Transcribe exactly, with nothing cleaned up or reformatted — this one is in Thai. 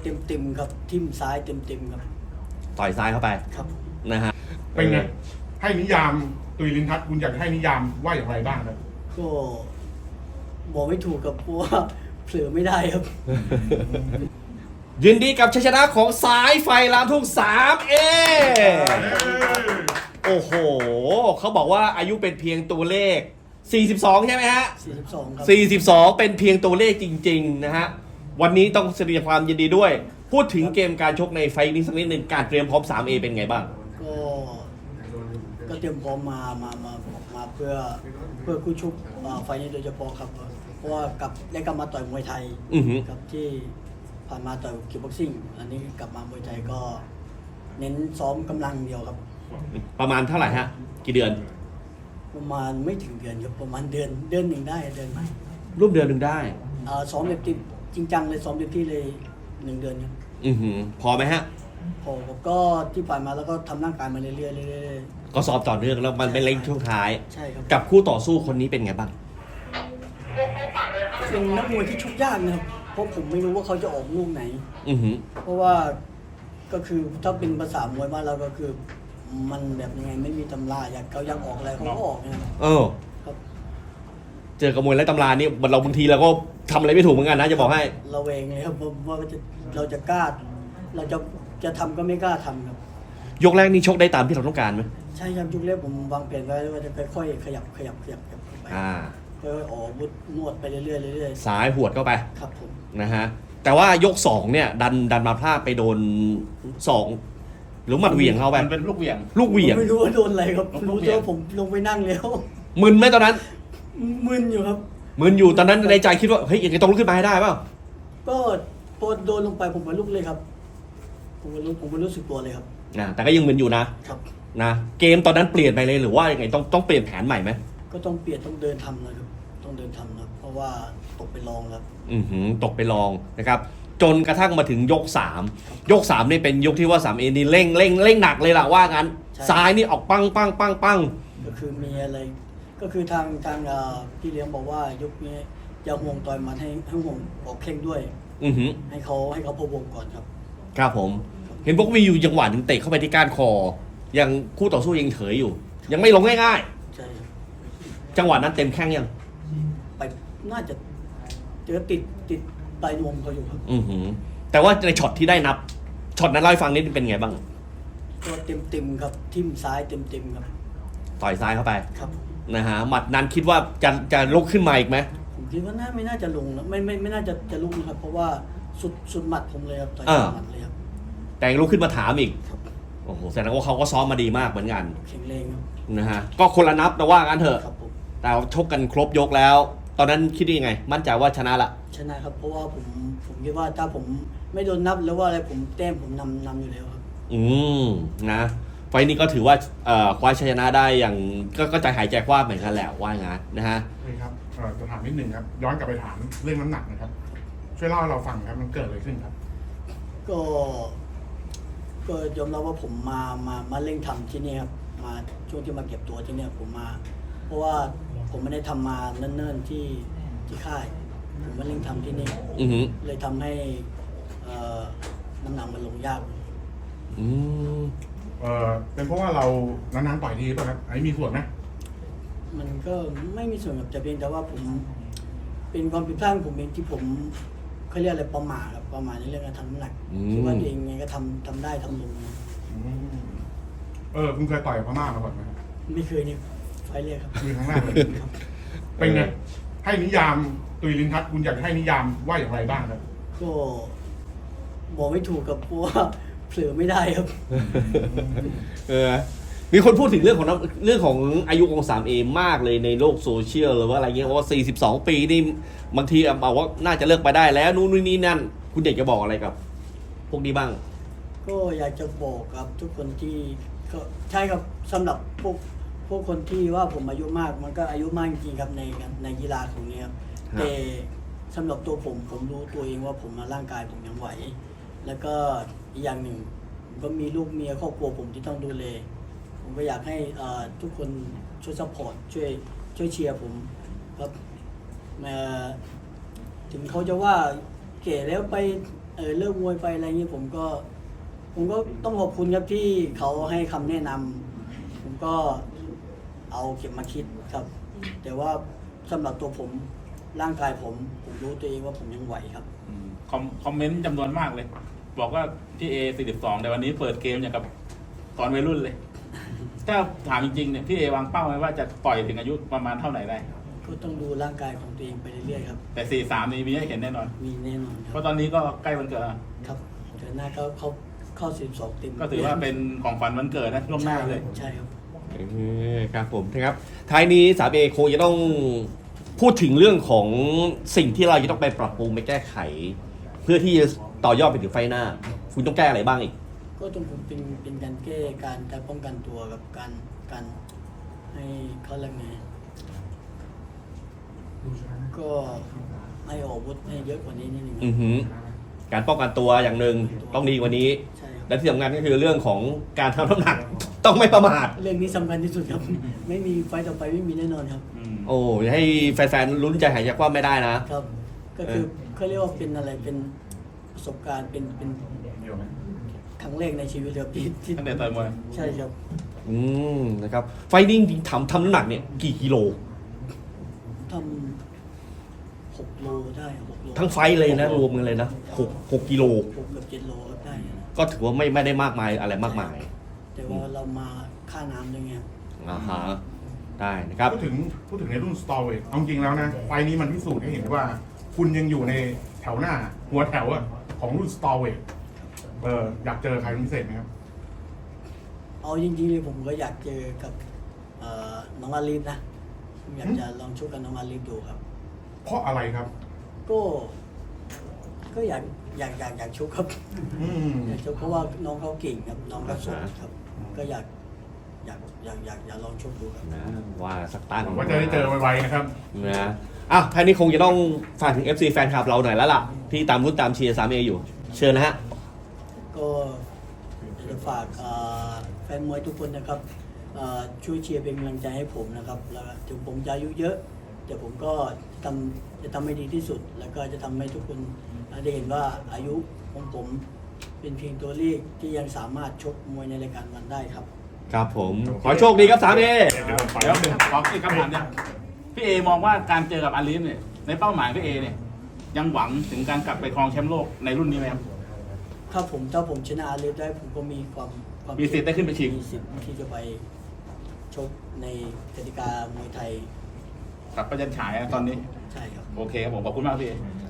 เต็มเต็มครับทิ่มซ้ายเต็มเต็มครับต่อยซ้ายเข้าไปครับนะฮะเป็นไงให้นิยามตุยลินทัศน์คุณอยากให้นิยามว่าอย่างไรบ้างครับก็บอกไม่ถูกกับเพราะว่าเผลอไม่ได้ครับยินดีกับชัยชนะของสายไฟลามทุ่ง สามเอ โอ้โหเขาบอกว่าอายุเป็นเพียงตัวเลขสี่สิบสองใช่ไหมฮะสี่สิบสองครับสี่สิบสองเป็นเพียงตัวเลขจริงๆนะฮะวันนี้ต้องแสดงความยินดีด้วยพูดถึงเกมการชกในไฟนี้สักนิดหนึ่งการเตรียมพร้อม สามเอ เป็นไงบ้างก็ก็เตรียมพร้อมมามามามาเพื่อเพื่อคู่ชกไฟนี้โดยเฉพาะครับเพราะว่ากับได้กลับมาต่อยมวยไทยกับที่ผ่านมาต่อยคิกบ็อกซิ่งอันนี้กลับมามวยไทยก็เน้นซ้อมกำลังเดียวครับประมาณเท่าไหร่ฮะกี่เดือนประมาณไม่ถึงเดือนครับประมาณเดือนเดือนหนึ่งได้เดือนไหมรูปเดือนหนึ่งได้อ่าซ้อมแบบจริงจังเลยซ้อมเต็มที่เลยหนึ่งเดือนครับอือหือพอไหมฮะพอผมก็ที่ผ่านมาแล้วก็ทำร่างกายมาเรื่อยๆเรื่อยๆก็ซ้อมต่อเนื่องแล้วมันเป็นเล่งช่วงท้ายใช่ครับกับคู่ต่อสู้คนนี้เป็นไงบ้างเป็นนักมวยที่ชกยากนะครับเพราะผมไม่รู้ว่าเขาจะออกลูกไหนอือหือเพราะว่าก็คือถ้าเป็นภาษามวยบ้านเราก็คือมันแบบยังไงไม่มีตำราอยากเขาอยากออกอะไรเขาก็ออกนะครับเออครับเจอกับมวยไร้ตำรานี่เราบางทีเราก็ทำอะไรไม่ถูกเหมือนกันนะจะบอกให้เราเองเลยครับว่าจะเราจะกล้าเราจะจะทำก็ไม่กล้าทำครับยกแรกนี่ชกได้ตามที่เราต้องการไหมใช่ครับยกแรกผมวางแผนไว้ว่าจะค่อยๆขยับขยับขยับไปอ่าค่อยๆออกบุดนวดไปเรื่อยๆเรื่อยๆสายหวดเข้าไปครับผมนะฮะแต่ว่ายกสองเนี่ยดันดันมาพลาดไปโดนสองหรือหมัดเหวี่ยงเข้าไปเป็นลูกเหวี่ยงลูกเหวี่ยงไม่รู้ว่าโดนอะไรครับรู้แต่ว่าผมลงไปนั่งแล้วมึนไหมตอนนั้นมึนอยู่ครับมึนอยู่ตอนนั้นในใจคิดว่าเฮ้ยยังไงต้องลุกขึ้นมาให้ได้เปล่าก็พอโดนลงไปผมก็ลุกเลยครับผมก็รู้ผมก็รู้สึกตัวเลยครับนะแต่ก็ยังมึนอยู่นะครับนะเกมตอนนั้นเปลี่ยนไปเลยหรือว่ายังไงต้องต้องเปลี่ยนแผนใหม่ไหมก็ต้องเปลี่ยนต้องเดินทำนะครับต้องเดินทำนะเพราะว่าตกไปลองครับอือหือตกไปลองนะครับจนกระทั่งมาถึงยกสามยกสามนี่เป็นยกที่ว่าสามเอนี่เร่งเร่งเร่งหนักเลยล่ะว่างั้นซ้ายนี่ออกปังปังปังปังก็คือมีอะไรก็คือทางทางพี่เลี้ยงบอกว่ายกนี้อย่าห่วงต่อยมันให้ให้ห่วงออกเข่งด้วยอือหือให้เขาให้เขาพะวงก่อนครับครับผมเห็นพวกมีอยู่จังหวะหนึ่งเตะเข้าไปที่ก้านคอยังคู่ต่อสู้ยังเถยอยู่ยังไม่ลงง่ายๆใช่จังหวะนั้นเต็มแข้งยังไปน่าจะเจอติดติดปลายนวมเขาอยู่ครับอือหือแต่ว่าในช็อตที่ได้นับช็อตนั้นเล่าให้ฟังนิดเป็นไงบ้างก็เต็มเต็มครับทิ่มซ้ายเต็มเต็มครับต่อยซ้ายเข้าไปครับนะฮะหมัดนั้นคิดว่าจะจะลุกขึ้นมาอีกไหมผมคิดว่าน่าไม่น่าจะลงนะไม่ไม่ไม่น่าจะจะลุกนะครับเพราะว่าสุดสุดหมัดผมเลยครับต่อยหมัดเลยครับแต่ลุกขึ้นมาถามอีกโอ้โหแสดงว่าเขาก็ซ้อมมาดีมากเหมือนกันแข็งแรงครับนะฮะก็คนละนับแต่ว่างั้นเถอะแต่ชกกันครบยกแล้วตอนนั้นคิดยังไงมั่นใจว่าชนะละชนะครับเพราะว่าผมผมคิดว่าถ้าผมไม่โดนนับหรือว่าอะไรผมแต้มผมนำนำอยู่แล้วครับอืมนะไฟนี้ก็ถือว่าคว้าชัยชนะได้อย่างก็ใจหายใจคว้าเหมือนกันแหละว่างั้นนะฮะนี่ครับจะถามนิดนึงครับย้อนกลับไปถามเรื่องน้ำหนักนะครับช่วยเล่าให้เราฟังครับมันเกิดอะไรขึ้นครับก็ก็ยอมรับว่าผมมามามาเร่งทำที่นี่ครับมาช่วงที่มาเก็บตัวที่นี่ผมมาเพราะว่าผมไม่ได้ทำมาเนิ่นๆที่ที่ค่ายผมมาเร่งทำที่นี่เลยทำให้น้ำหนักมันลงยากอืมเออเป็นเพราะว่าเรานานๆต่อยทีป่ะครับอันนี้มีส่วนไหมมันก็ไม่มีส่วนกับแต่เพียงแต่ว่าผมเป็นความผิดพลาดของผมเองที่ผมเขาเรียกอะไรประมาทครับประมาทในเรื่องการทำน้ำหนักคิดว่าตัวเองไงก็ทำทำได้ทำลงเออคุณเคยต่อยพม่ามาก่อนไหมไม่เคยนี่ไฟเรียกครับมีครั้งแรกเลยเป็นไงให้นิยามตุยลินทัศน์คุณอยากให้นิยามว่าอย่างไรบ้างครับก็บอกไม่ถูกกับเพราะว่าเผลอไม่ได้ครับเออมีคนพูดถึงเรื่องของเรื่องของอายุของ สาม เอ มากเลยในโลกโซเชียลหรือว่าอะไรเงี้ยว่าสี่สิบสองปีนี่บางทีบอกว่าน่าจะเลิกไปได้แล้วนู่นนี่นั่นคุณเด็กจะบอกอะไรกับพวกนี้บ้างก็อยากจะบอกกับทุกคนที่ก็ใช่ครับสำหรับพวกพวกคนที่ว่าผมอายุมากมันก็อายุมากจริงๆครับในในกีฬาของนี้ครับแต่สำหรับตัวผมผมรู้ตัวเองว่าผมมาร่างกายผมยังไหวแล้วก็อีกอย่างหนึ่งผมก็มีลูกเมียครอบครัวผมที่ต้องดูแลผมก็อยากให้ทุกคนช่วยซัพพอร์ตช่วยช่วยเชียร์ผมครับถึงเขาจะว่าเก๋แล้วไปเออเลิกมวยไปอะไรเงี้ยผมก็ ผมก็ต้องขอบคุณครับที่เขาให้คำแนะนำผมก็เอาเก็บมาคิดครับ แต่ว่าสำหรับตัวผมร่างกายผมผมรู้ตัวเองว่าผมยังไหวครับอืมคอมคอมเมนต์จำนวนมากเลย บอกว่าพี่เอสี่สิบสองแต่วันนี้เปิดเกมอย่างกับตอนวัยรุ่นเลย ถ้าถามจริงๆเนี่ยพี่เอวางเป้าไว้ว่าจะต่อยถึงอายุประมาณเท่าไหร่ได้ก็ต้องดูร่างกายของตัวเองไปเรื่อยๆครับแต่สี่สามนี่มีให้เห็นแน่นอนมีแน่นอนคเพรับราะตอนนี้ก็ใกล้วันเกิดแล้วครับเดือนหน้าก็เข้าเข้าสิบสองเต็มก็ถือว่าเป็นของขวัญวันเกิดนะล่วงหน้าเลยใช่ครับเออครับผมนะครับท้ายนี้สามเอคงจะต้องพูดถึงเรื่องของสิ่งที่เราจะต้องไปปรับปรุงไปแก้ไข เพื่อที่จะต่อยอดไปถึงไฟหน้า คุณต้องแก้อะไรบ้างอีกก็ตรงผมเป็นเป็นการแก้การการป้องกันตัวกับการการให้เขาเรียกไงก็ให้ออกอาวุธให้เยอะกว่านี้นิดนึงอือหือการป้องกันตัวอย่างหนึ่งต้องดีกว่านี้ใช่ครับและที่สำคัญก็คือเรื่องของการทำน้ำหนัก ต้องไม่ประมาทเรื่องนี้สำคัญที่สุดครับ ไม่มีไฟต์ต่อไปไม่มีแน่นอนครับอืมโอ้ให้แฟนๆลุ้นใจหายใจกว้างไม่ได้นะครับ ก็คือเขาเรียกว่าเป็นอะไรเป็นประสบการณ์เป็นเป็นครั้งแรกในชีวิตครับที่ที่ตั้งแต่ต่อยมวยใช่ครับอืมนะครับไฟนิ่งจริงๆทำทำน้ำหนักเนี่ยกี่กิโลทำหกโลได้หกโลทั้งไฟท์เลยนะรวมกันเลยนะหกหกกิโลหกเกือบเจ็ดโลก็ได้นะก็ถือว่าไม่ไม่ได้มากมายอะไรมากมายแต่ว่าเรามาค่าน้ำด้วยไงครับอ่าฮะได้นะครับพูดถึงพูดถึงในรุ่นสตอเวทเอาจริงแล้วนะไฟล์นี้มันพิสูจน์ให้เห็นว่า คุณยังอยู่ในแถวหน้า หัวแถวอะของรุ่นสตอเวทเอออยากเจอใครเป็นพิเศษไหมครับเอาจริงๆเลยผมก็อยากเจอกับเอ่อน้องอาลีฟนะผมอยากจะลองชกกับน้องอาลีฟดูครับเพราะอะไรครับก็ ก็อยากอยากอยากอยากชกครับอืมอยากชกเพราะว่าน้องเขาเก่งครับ น้องเขาสดครับ ก็อยากอยากอยากอยากอยากลองชกดูครับนะว่าสักตั้งหวังว่าจะได้เจอไวๆนะครับนะอ่ะท่านี้คงจะต้องฝากถึง เอฟ ซี แฟนคลับเราหน่อยแล้วล่ะ ที่ตามรุ่นตามเชียร์สามเออยู่ เชิญนะฮะก็อยากจะฝากเอ่อแฟนมวยทุกคนนะครับเอ่อช่วยเชียร์เป็นกำลังใจให้ผมนะครับ แล้วก็ถึงผมจะอายุเยอะแต่ผมก็ทำจะทำให้ดีที่สุด แล้วก็จะทำให้ทุกคนได้เห็นว่าอายุของผมเป็นเพียงตัวเลขที่ยังสามารถชกมวยในรายการวันได้ครับครับผม ขอให้โชคดีครับสามเอเดี๋ยวผมขอเดี๋ยวนิดนึงขออีกคำถามเนี่ยพี่เอมองว่าการเจอกับอาลีฟเนี่ยในเป้าหมายพี่เอเนี่ยยังหวังถึงการกลับไปครองแชมป์โลกในรุ่นนี้ไหมครับถ้าผมถ้าผมชนะอาลีฟได้ผมก็มีความความมีสิทธิ์ได้ขึ้นไปชิงมีสิทธิ์ที่จะไปชกในกติกามวยไทยกับประจันฉายอะตอนนี้ใช่ครับโอเคครับผมขอบคุณมากพี่เอ